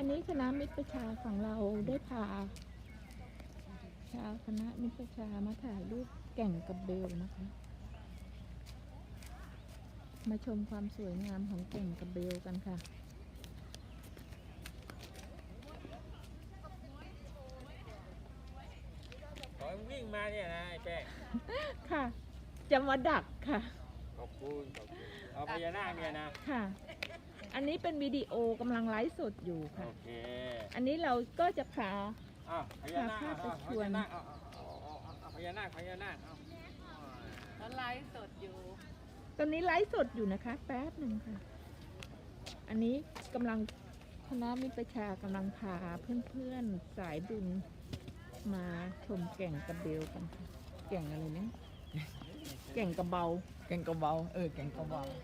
อันนี้คณะมิตรประชาของเราได้พาชาวคณะมิตรประชามาถ่ายรูปแก่งกระเบลนะคะ มาชมความสวยงามของแก่งกระเบลกันค่ะขอวิ่งมาเนี่ยนะไอ้แป้งค่ะ จะมาดักค่ะขอบคุณเอาพญานาคเนี่ยนะค่ะ อันนี้เป็นวิดีโอกำลังไลฟ์สดอยู่ค่ะโอเคอันนี้เราก็จะพาอ้าวพญานาคพาเอาไปชพวนญานาคเอาพญานาคพญานาคเอาแล้วไลฟ์สดอยู่ตอนนี้ไลฟ์สดอยู่นะคะ แป๊บหนึ่งค่ะ อันนี้กำลังคณะมิตรประชากำลังพาเพื่อนๆสายบุญมาชมแก่งกระเบลกันค่ะ แก่งอะไรเนี่ยแก่งกระเบาแกงกระเบาแกงกระเบา